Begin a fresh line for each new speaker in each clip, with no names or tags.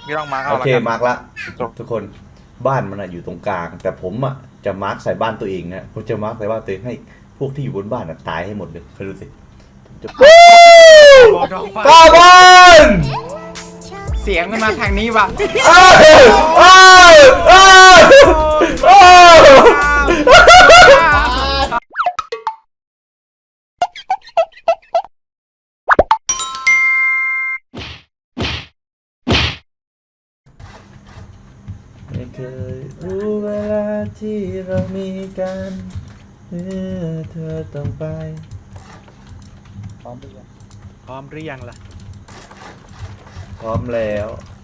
พี่ต้องมาร์ค
โอเคมาร์กละทุกคนบ้านมันอยู่ตรงกลางแต่ผมจะมาร์กใส่บ้านตัวเองนะผมจะมาร์กใส่บ้านตัวเองให้พวกที่อยู่บนบ้านตายให้หมดเลยเคยดูสิกาบอน
เสียงมันมาทางนี้ว่ะ
ไม่เคยรู้เวลาที่เรามีกันเธอต้องไป
พร้อมหรือยังล่ะ
พร้อมแล้ว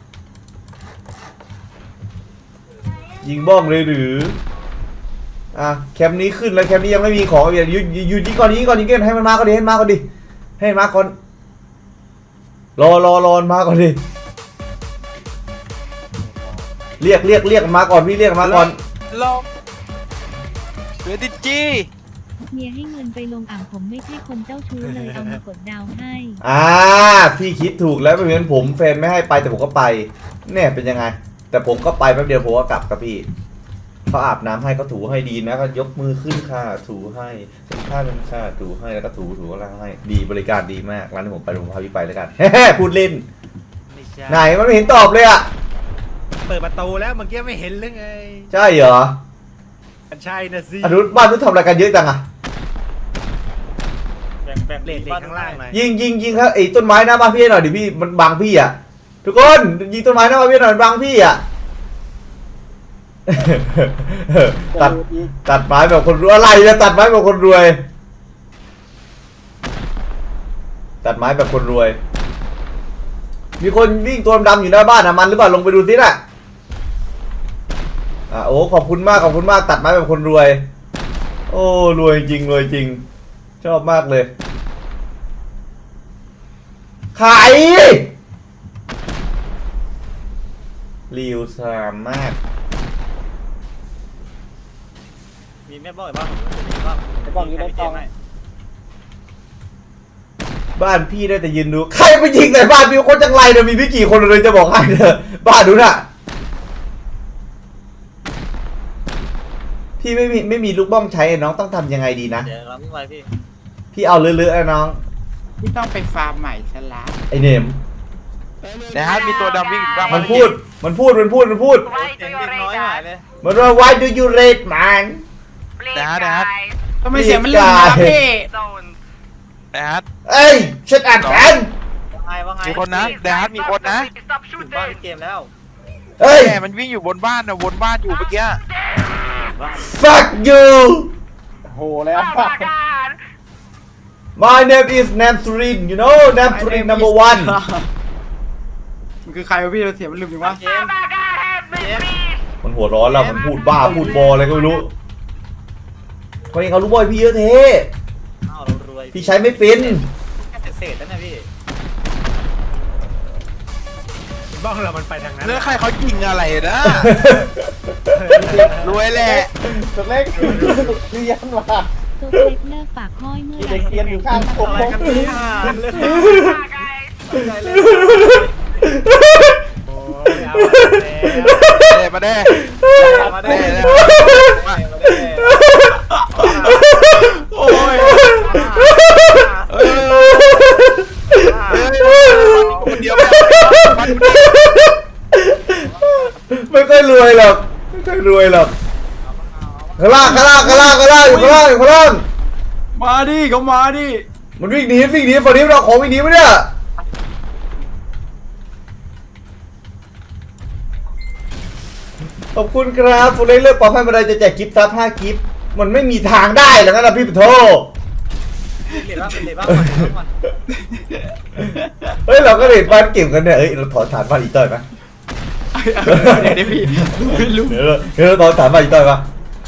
ยิงบ้องเลยหรือแคมป์นี้ขึ้นแล้วแคมป์นี้ยังไม่มีของอย่าอยู่ยิงก่อนยิงก่อนยิงก่อนให้มันมาก่อนดิให้มันมาก่อนดิให้มันมาก่อนรอมาก่อนดิเรียกมาก่อนพี่เรียกมาก่อน
ลงเวดิจี
เมียให้เงินไปลงอ่างผมไม่ใช่คนเจ้าชู้เลยเอามากดดาวให้
พี่คิดถูกแล้วไม่เหมือนผมแฟนไม่ให้ไปแต่ผมก็ไปเนี่ยเป็นยังไงแต่ผมก็ไปแป๊บเดียวผมก็กลับกับพี่เขาอาบน้ำให้ก็ถูให้ดีนะก็ยกมือขึ้นค่ะถูให้เป็นค่าถูให้แล้วก็ถูอะไรให้ดีบริการดีมากร้านที่ผมไปผมพาพี่ไปแล้วกันพูดเล่นไหนมันไม่เห็นตอบเลย
เปิดประตูแล้วเมื่อกี้ไม่เห็นหรือไง
ใช่เหรอ
ใช่นะสิ
บ้านนู้นทำอะไรกันเยอะจัง
แบ่งเลทข้างล่างหน่อย
ยิงครับไอ้ต้นไม้หน้าบ้านพี่หน่อยดิพี่มันบังพี่ทุกคนยิงต้นไม้หน้าบ้านพี่หน่อยบังพี่ตัดไม้แบบคนรวยอะไรนะตัดไม้แบบคนรวยตัดไม้แบบคนรวยมีคนวิ่งตัวดำอยู่หน้าบ้านมันหรือเปล่าลงไปดูสิน่ะโอ้ขอบคุณมากตัดไม้แบบคนรวยโอ้รวยจริงชอบมากเลยขายรีวสามารถ
มีแม่บ้อยบ้างมีบ้องอยู่ในกล่อง
บ้านพี่ได้แต่ยืนดูใครไปยิงในบ้านพี่คนจังไรเนี่ยมีพี่กี่คนเลยจะบอกให้เถอะบ้านดูน่ะพี่ไม่มีลูกบ้องใช้น้องต้องทำยังไงดีนะ
เดี๋ยวเราไม่ไหว
พี่เอาเลือะๆน้อง
พี่ต้องไปฟาร์มใหม่ซะละ
ไอเนม
นะฮะมีตัวดำวิ่งบ้าง
มันพูดมันว่า why do you rate man
นะฮะ
ทำไมเสียงมันลืมนะพี่
นะฮะ
เอ้ยฉันอ่านแผน
มีคนนะนะฮะมีคนนะ
ถึงบ้านเกมแล้ว
เฮ้ย
มันวิ่งอยู่บนบ้านวนบ้านอยู่เมื่อกี้
fuck you
โหแล้ว
my name is Namsurin you know Namsurin number one
มันคือใครวะพี่เราเสียงมันลืมจริงวะ
มันหัวร้อนแล้วมันพูดบ้าพูดบออะไรก็ไม่รู้คนนี้เขารู้บอยพี่เยอะเท่พี่ใช้ไม่เป็น
เศษแล้วนะพี่บ้องเรามันไปทางนั้น
เรื่องใครเขายิงอะไรนะรวยแหละ
ตัวเล็กเรียนว่ะ
ตัวเล็กเลิกปากห้อยเมื่อไหร่
เรียนอยู่ข้างผม
มาได้
โอ้ย
คนเดียว
ไม่ค่อยรวยหรอกข้างล่างอยู่ข้างล่าง
มาดิเขามาดิ
มันวิ่งหนีฝั่งนี้เราของวิ่งหนีมั้ยเนี่ยขอบคุณครับฟูเล่เลือกปอให้มาได้จะแจกกิฟต์ซับ5กิฟต์มันไม่มีทางได้หรอกนะพี่ปะโทเฮ้ยเราก็เล่นบ้านเก็บกันเนี่ยเราถอนฐานบ้านอีต้อยไหม
เดี๋ยวพี่ไม่รู้
เดี๋ยวถอนฐานบ้านอีต้อยปะ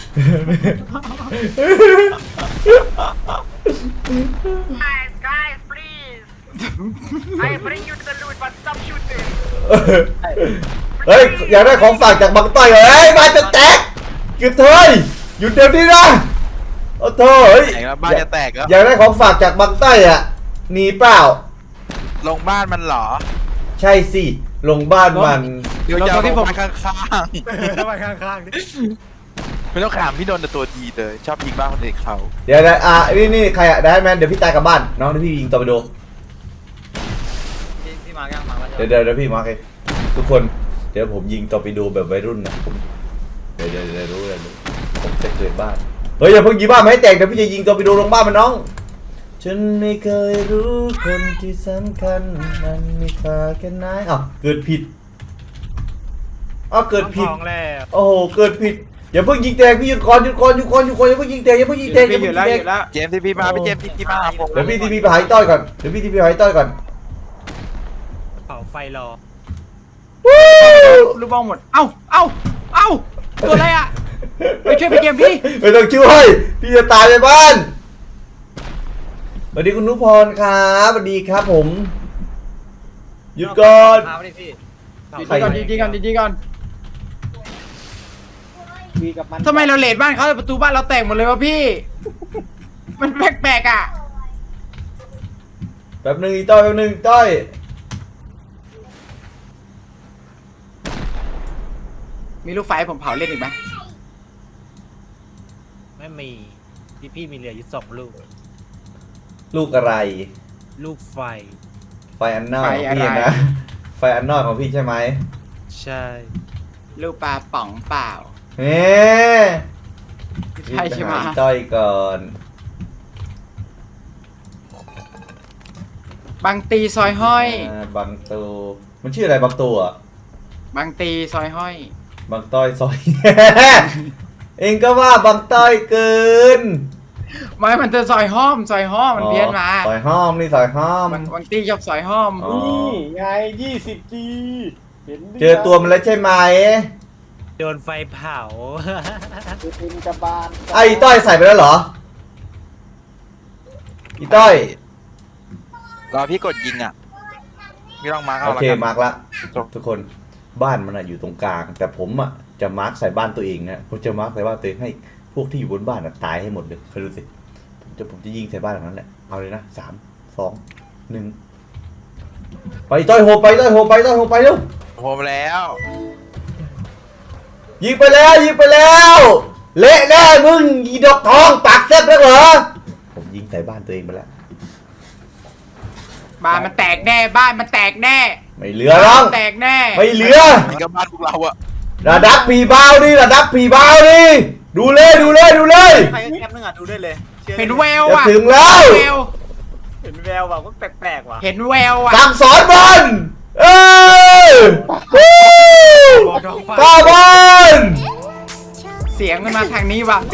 Guys, please. I bring you to the loot, but stop shooting.
เฮ้ยอยากได้ของฝากจากบังต้อยเฮ้ยมาจะแตกหยุดเถอะหยุดเดี๋ยวนี้นะโอ้โธ่เฮ้ย
บ้านจะแตกแล้ว
อยากได้ของฝากจากบังต้อยหนีเปล่า
ลงบ้านมันเหรอ
ใช่สิลงบ้านมัน
เดี๋ยวจะลงไปข้าง
ไปข้างๆดิ
ๆไม่ต้องขามพี่โดนแต่ตัวดีเลยชอบยิงบ้านคนอื่นเขา
เดี๋ยวนี่ใครอะได้แมนเดี๋ยวพี่ตายกลับบ้านน้องเดี๋ยวพี่ยิงต่อไปดู
พี่มายังมาแล้ว
เดี๋ยวพี่มาร์คเองทุกคนเดี๋ยวผมยิงต่อไปดูแบบวัยรุ่นนะผมเดี๋ยวรู้เลยผมจะเกิดบ้านเฮ้ยอย่าเพิ่งยิงบ้านมาให้แตกเดี๋ยวพี่จะยิงต่อไปดูลงบ้านมันน้องฉันไม่เคยรู้คนที่สำคัญมันมีค่าแค่ไหนอ้าวเกิดผิดเกิดผิดโอ้โหเกิดผิดอย่าเพิ่งยิงแตกพี่หยุดก่อนอย่าเพิ่งยิงแตกอย่าเพิ่งยิงแตก
หยุดแล้วหยุดแล้ว
เจมส์ทีพีมาพี่เจมส์ทีพีมาผม
เดี๋ยวพี่ทีพีไปหายต้อยก่อน
เผาไฟรอ
ลูกบ้องหมดเอ้าตัวอะไรอ่ะไปช่วยไปเกมพี่
ไม่ต้องช่วยพี่จะตายในบ้านสวัสดีคุณนุพรครับสวัสดีครับผมหยุดก่อน
พาไปดิพี่
ดีก่อน
วีกับมัน
ทำไมเราเลดบ้านเขาแต่ประตูบ้านเราแตกหมดเลยวะพี่ มันแปลกๆอ่ะ
แป๊บนึงอีต้อย
มีลูกไฟให้ผมเผาเล่นอีกไหม
ไม่มีพี่มีเหลืออยู่2 ลูก
ลูกอะไร
ลูกไฟ
ไฟอันนอกของพี่นะไฟอันนอกของพี่ใช่ไหม
ใช่
ลูกปลาป๋องเปล่า
เฮ้
ใช่ใช่ไหม
อีต้อยก่อน
บางตีซอยห้อย
บางตูมันชื่ออะไรบางตูอ่ะ
บางตีซอยห้อย
บางต้อยซอย เองก็ว่าบางต้อยเกิน
ไม่มันจะซอยห้อมมันเพี้ยนมา
ซอยห้อมนี่ซอยห้อม
บางตีชอบซอยห้อม
อ๋อ
นี่ไง20G เห็น
เจอตัวมันแล้วใช่ไหม
โดนไฟเผา
เป็นกระบาล
ไอ้ต้อยใส่ไปแล้วเหรออีต้อย
รอพี่กดยิงอ่ะพี่ลองมาเข้า
โอ
แล้ว
เค
กัน
มาร์กละทุกคนบ้านมันอะอยู่ตรงกลาง แต่ผมอะจะมาร์กใส่บ้านตัวเองนะผมจะมาร์กใส่บ้านตัวเองให้พวกที่อยู่บนบ้านอะตายให้หมดเลยเคยดูสิผมจะยิงใส่บ้านหลังนั้นแหละเอาเลยนะ3 2 1ไปต้อยโหไปเร็ว
โฮมแล้ว
ยิงไปแล้วเละแน่มึงอีดอกทองปากแซ่บแล้วเหรอผมยิงใส่บ้านตัวเองไปแล้ว
บ้านมันแตกแน่
ไม่เหลือหรอก
แตกแน่
ไม่เหลือ
นี่ก็บ้านพวกเราอะ
ระดับผีเบาดิดูเลย
ใครก็แคปนึงอ่ะดูได้เลยชื่อ
เห็นแวว
จะ
อ่ะ
ถึงแล้ว
แวว
เห็นแววว่ะก็แปลกๆว่ะ
เห็นแววอ่ะ
สั่งสอนมันป้าบอล
เสียงมันมาทางนี้ว่ะ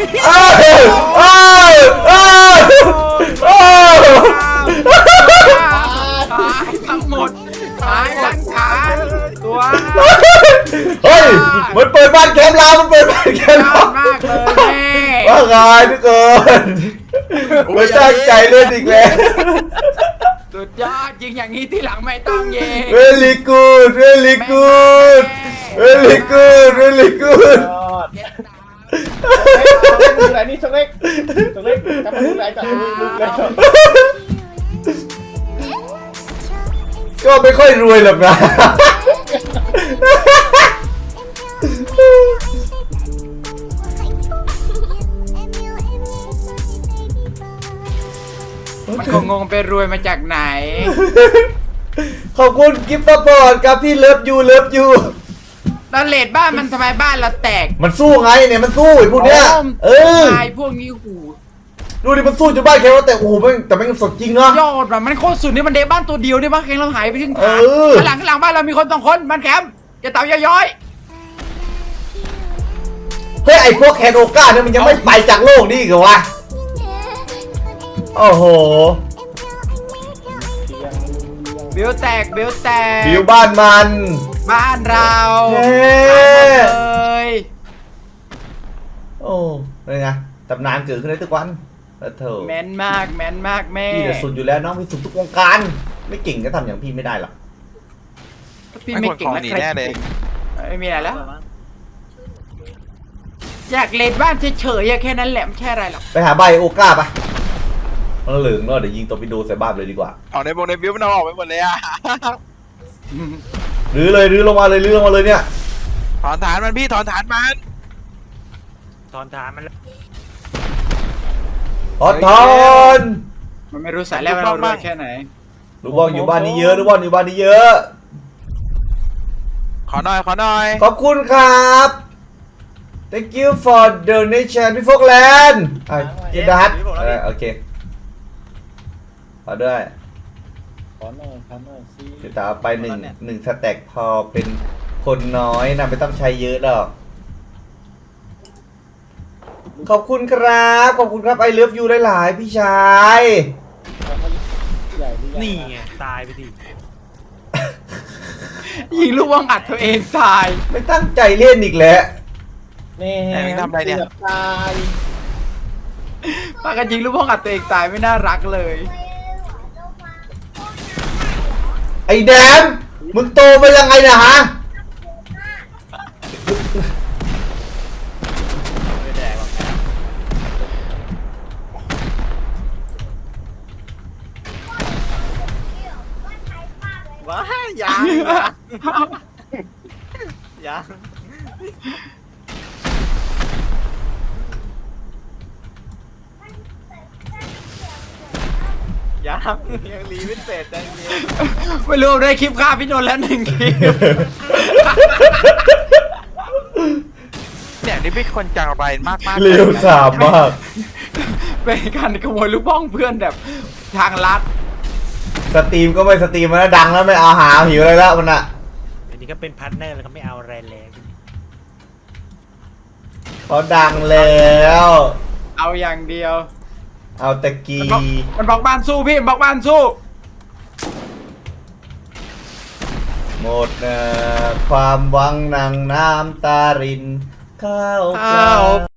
ตายทั้งหมดตายทั้งขาตัว
เฮ้ยมันเปิดบ้านแคมป์เรา
ยอดมากเลยแม่
ว่าไงทุกคนไม่ตั้งใจเล่นอีกแล้ว
สุดยอดยิงอย่างนี้ที่หลังไม่ต้องเย่
very good
ยอด ดูไหนนี่ชงเล็กจำมาดูไหนจับดูแล้ว
ก็ไม่ค่อยรวยหรอกนะ
มันคงงงไปรวยมาจากไหน
ขอบคุณกิฟต์ซัพพอร์ตครับพี่เลิฟยู
ตอนเลดบ้านมันทำไมบ้านเราแตก
มันสู้ไงเนี่ยมันสู้ไอ้พวกเนี้ย
ตายพวกนี้หู
ดูดิมันสู้จนบ้านแคมป์แต่โอ้โหแต่มันสดจริงนะ
ยอดว่ะมันโคตรสุดนี่มันเดบ้านตัวเดียวนี่บ้านแข็งเราหายไปถึง
เอ
ฐาน
อ
หลังบ้านเรามีคน2 คนบ้านแคมป์จะเต่าย้อย
เฮ้ยไอ้พวกแคนโอก้าเนี่ยมันยังไม่ไปจากโลกนี่อีกเหรอวะโอ้โห
บิวแตก
บิวบ้านมัน
บ้านเรา
เฮ้
เลย
โอ้เป็นไงตำนานเกิดขึ้นได้ทุกวันแล้วเธอ
แมนมากแม่
พี่จะสุดอยู่แล้วน้องพี่สุดทุกวงการไม่เก่งก็ทำอย่างพี่ไม่ได้หรอก
พี่ไม่เก่ง
ไม่ควรขอหนีแน่เลย
ไม่มีอะไรแล้ว อยากเลดบ้านเฉยๆแค่นั้นแหละไม่ใช่อะไรหรอก
ไปหาใบโอก้าปะมันเหลืองเนาะเดี๋ยวยิงตัวไปดูใส่บ้านเลยดีกว่า
เอาในวงในวิวมันเอาออกไปหมดเลยอะ
รื้อเลยรื้อลงมาเลยรื้อลงมาเลยเนี่ย
ถอนฐานมันพี่ถอนฐานมัน
ถอนฐานมันแล้ว
ถอน
มันไม่รู้สายแล้วเรารวยแค่ไหน
ลูกบอลอยู่บ้านนี้เยอะลูกบอลอยู่บ้านนี้เยอะ
ขอหน่อยขอหน่อย
ขอบคุณครับ thank you for donation พี่โฟกแลนด์เจดัสโอเคขอด้วย
ขอหน่อยสิ
เดี๋ยวตาไปหนึ่งสแต็กพอเป็นคนน้อยนะไม่ต้องใช้เยอะหรอกขอบคุณครับขอบคุณครับไอเลิฟยูหลายๆพี่ชาย
ใหญ่หรือยัง
นี่ไงตายไปดิ
ยิงลูกว่างอัดตัวเองตาย
ไม่ตั้งใจเล่นอีกแล้ว
นี่
แต่มึงทำอะไรเนี่ย
กืบตาย
ปากันยิงลูกว่างอัดตัวเองตายไม่น่ารักเลย
ไอ้แดมมึงโตไปยังไงนะฮะ
ว้ายังยังยังรีไม่เสร็จยังไม่รู้ได้คลิปฆ่าพี่นนท์แล้ว1 คลิป
เนี่ยนี่เป็นคนจังไรมาก
เร็วสามมาก
เป็นการขโมยลูกบ้องเพื่อนแบบทางลัด
สตรีมก็ไม่สตรีมมันนะดังแล้วไม่เอาหาหิวอะไรแล้วมันอะ
อันนี้ก็เป็นพาร์ทเนอร์แล้วก็ไม่เอาอะไรแล้ว
เขาดังแล้ว
เอาอย่างเดียว
เอาตะกี
มันบอกบ้านสู้พี่มันบอกบ้านสู้
หมดความหวังนางน้ำตารินข้าวปลา